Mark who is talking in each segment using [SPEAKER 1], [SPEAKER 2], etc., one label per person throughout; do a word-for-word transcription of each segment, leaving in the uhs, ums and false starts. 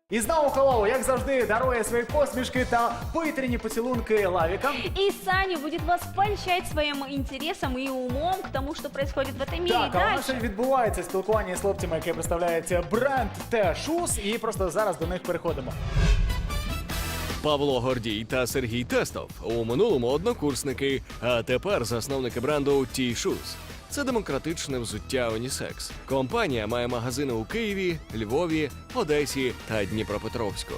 [SPEAKER 1] І знову Hello, як завжди, дарує свої посмішки та повітряні поцілунки Лавіка.
[SPEAKER 2] И Саня будет вас поощрять своим интересом и умом к тому, что происходит в этом мире.
[SPEAKER 1] Так, а у нас
[SPEAKER 2] Дальше.
[SPEAKER 1] ще відбувається спілкування з хлопцями, яке представляється бренд Те Шуз, і просто зараз до них переходимо.
[SPEAKER 3] Павло Гордій та Сергій Тестов у минулому однокурсники, а тепер засновники бренду Ті Шуз. Це демократичне взуття унісекс. Компанія має магазини у Києві, Львові, Одесі та Дніпропетровську.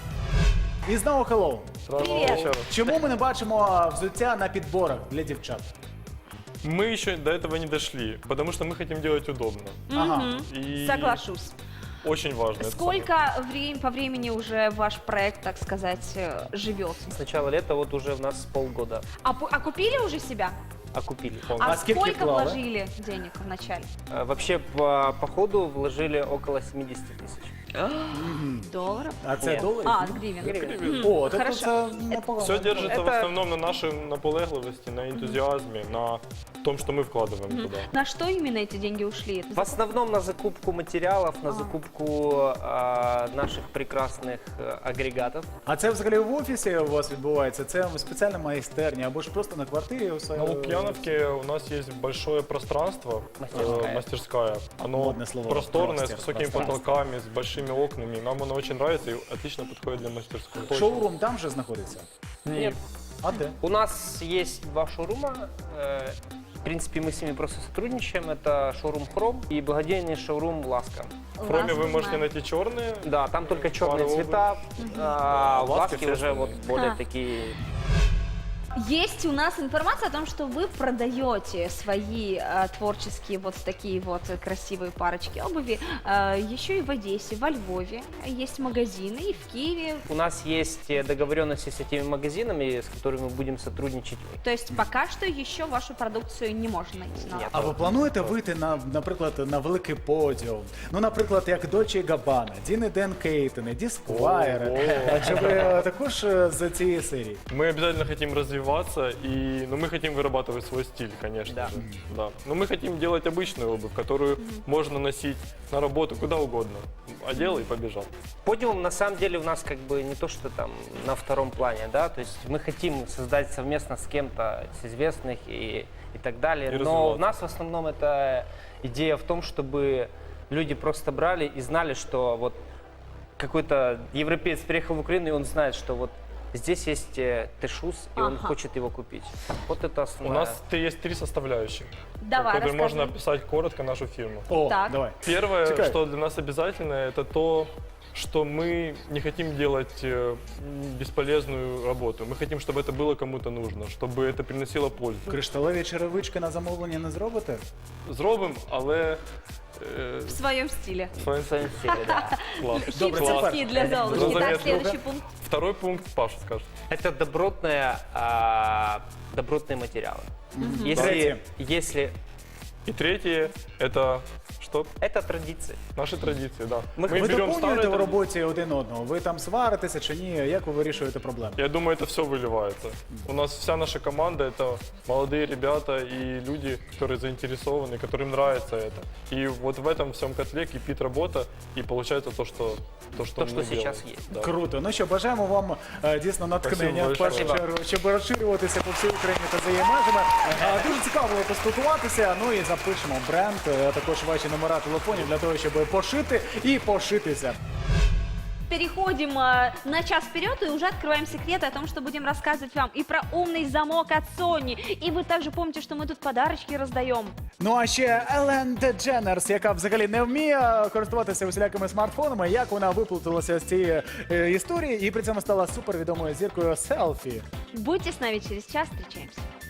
[SPEAKER 1] І знову Hello.
[SPEAKER 2] Привет.
[SPEAKER 1] Чому ми не бачимо взуття на підборах для дівчат?
[SPEAKER 4] Мы еще до этого не дошли, потому что мы хотим делать удобно.
[SPEAKER 1] Ага.
[SPEAKER 4] И
[SPEAKER 2] Соглашусь.
[SPEAKER 4] очень важно. это
[SPEAKER 2] Сколько врем- по времени уже ваш проект, так сказать, э, живет?
[SPEAKER 5] С начала лета вот уже у нас полгода
[SPEAKER 2] А, пу- а купили уже себя?
[SPEAKER 5] окупили.
[SPEAKER 2] А,
[SPEAKER 5] полностью.
[SPEAKER 1] А сколько
[SPEAKER 2] сколько
[SPEAKER 1] вклала?
[SPEAKER 2] вложили денег вначале?
[SPEAKER 5] А, Вообще по, по ходу вложили около семьдесят тысяч.
[SPEAKER 2] Долларов?
[SPEAKER 1] А це
[SPEAKER 5] Ні.
[SPEAKER 1] долари?
[SPEAKER 2] А, гривен.
[SPEAKER 5] Гривен.
[SPEAKER 1] О, тобто
[SPEAKER 2] Хорошо.
[SPEAKER 1] це непогано.
[SPEAKER 4] Все держится в
[SPEAKER 5] Это-
[SPEAKER 4] основном на нашей наполегливости, на энтузиазме, на том, что мы вкладываем туда.
[SPEAKER 2] На что именно эти деньги ушли?
[SPEAKER 5] В основном на закупку материалов, на закупку а, наших прекрасных э, агрегатов.
[SPEAKER 1] А це взагалі в офісі у вас відбувається? Це спеціальна майстерня або ж просто на квартирі? усе?
[SPEAKER 4] На Лукьяновке у нас есть большое пространство,
[SPEAKER 5] Мастерская.
[SPEAKER 4] э, мастерская. Оно
[SPEAKER 1] Модное слово.
[SPEAKER 4] просторное,
[SPEAKER 1] Простер-
[SPEAKER 4] с высокими
[SPEAKER 1] пространство.
[SPEAKER 4] потолками, с большими окнами. Нам оно очень нравится и отлично подходит для мастерской.
[SPEAKER 1] Шоурум там же знаходиться?
[SPEAKER 5] Нет.
[SPEAKER 1] А де?
[SPEAKER 5] У нас есть два шоурума. э, В принципе, мы с ними просто сотрудничаем. Это шоурум Хром и благодейный шоурум Ласка.
[SPEAKER 4] В Хроме вы
[SPEAKER 2] Ласку
[SPEAKER 4] можете
[SPEAKER 2] знаю.
[SPEAKER 4] найти черные.
[SPEAKER 5] Да, там только черные
[SPEAKER 4] Пару
[SPEAKER 5] цвета, а в
[SPEAKER 4] Ласки
[SPEAKER 5] Ласке
[SPEAKER 4] все
[SPEAKER 5] уже вот более
[SPEAKER 2] А.
[SPEAKER 5] такие.
[SPEAKER 2] Есть у нас информация о том, что вы продаете свои э, творческие вот такие вот красивые парочки обуви э, еще и в Одессе, во Львове. Есть магазины и в Киеве.
[SPEAKER 5] У нас есть э, договоренности с этими магазинами, с которыми мы будем сотрудничать.
[SPEAKER 2] То есть пока что еще вашу продукцию не можно найти. на
[SPEAKER 5] Нет.
[SPEAKER 1] А ви плануєте вийти на, наприклад, на великий подіум? Ну, наприклад, як Dolce Gabbana, Діни Ден Кейтени, Дісквайри. А чи ви е, також е, з цієї серії?
[SPEAKER 4] Мы обязательно хотим развиваться, и, но мы хотим вырабатывать свой стиль, конечно
[SPEAKER 5] Да.
[SPEAKER 4] же. Да. Но мы хотим делать обычную обувь, которую можно носить на работу куда угодно. Одел и побежал.
[SPEAKER 5] Подиум на самом деле у нас как бы не то, что там на втором плане, да, то есть мы хотим создать совместно с кем-то, с известных и, и так далее.
[SPEAKER 4] И
[SPEAKER 5] Но
[SPEAKER 4] развиваться.
[SPEAKER 5] у нас в основном это идея в том, чтобы люди просто брали и знали, что вот какой-то европеец приехал в Украину, и он знает, что вот здесь есть э, Те Шуз, и он
[SPEAKER 2] Ага.
[SPEAKER 5] хочет его купить. Вот это
[SPEAKER 4] У
[SPEAKER 5] основное.
[SPEAKER 4] нас т- есть три составляющих,
[SPEAKER 2] Давай,
[SPEAKER 4] которые можно
[SPEAKER 2] рассказывай.
[SPEAKER 4] описать коротко нашу фирму.
[SPEAKER 1] О,
[SPEAKER 2] Так.
[SPEAKER 1] давай.
[SPEAKER 4] Первое,
[SPEAKER 1] Чекай.
[SPEAKER 4] что для нас обязательно, это то, что мы не хотим делать э, м, бесполезную работу. Мы хотим, чтобы это было кому-то нужно, чтобы это приносило пользу.
[SPEAKER 1] Кришталеві черевички на замовлення не зробите?
[SPEAKER 4] Зробимо, але е,
[SPEAKER 2] В своем стиле.
[SPEAKER 4] своїм
[SPEAKER 5] В своем стиле, да.
[SPEAKER 4] клас.
[SPEAKER 1] Добре, це
[SPEAKER 2] Хипстерские для
[SPEAKER 1] перше.
[SPEAKER 2] Золушки. Так,
[SPEAKER 4] Заметно.
[SPEAKER 2] следующий пункт.
[SPEAKER 4] Второй пункт Паша скажет.
[SPEAKER 5] Это добротные, а, добротные материалы. Если,
[SPEAKER 1] Третье.
[SPEAKER 5] если
[SPEAKER 4] И третье, это что?
[SPEAKER 5] это традиции.
[SPEAKER 4] Наши традиции, да.
[SPEAKER 5] Мы-
[SPEAKER 1] Ви
[SPEAKER 4] берем
[SPEAKER 1] доповнюєте
[SPEAKER 4] старые
[SPEAKER 1] в
[SPEAKER 4] традиции.
[SPEAKER 1] роботі один одного? Ви там сваритеся чи ні? Як ви вирішуєте проблеми?
[SPEAKER 4] Я думаю, это все выливается. У нас вся наша команда — это молодые ребята и люди, которые заинтересованы, которым нравится это. И вот в этом всем котле кипит работа, и получается то, что то, что,
[SPEAKER 5] То,
[SPEAKER 4] мы
[SPEAKER 5] что сейчас
[SPEAKER 4] делаем.
[SPEAKER 5] есть.
[SPEAKER 4] Да.
[SPEAKER 1] Круто. Ну що, бажаємо вам е, дійсно натхнення в
[SPEAKER 4] Спасибо
[SPEAKER 1] першу
[SPEAKER 5] большое.
[SPEAKER 1] чергу, щоб розширюватися по всій Україні та за її межами. Е, Дуже цікаво було поспілкуватися. Ну і запишемо бренд, е, також ваші номера телефонів для того, щоб пошити і пошитися.
[SPEAKER 2] Переходим э, на час вперед и уже открываем секреты о том, что будем рассказывать вам и про умный замок от Sony. И вы также помните, что мы тут подарочки раздаем.
[SPEAKER 1] Ну а ще Елен Дедженерс, яка взагалі не вміє користуватися усілякими смартфонами, як вона виплуталася з цієї е, історії і при цьому стала супервідомою зіркою селфі.
[SPEAKER 2] Будьте с нами через час, встречаемся.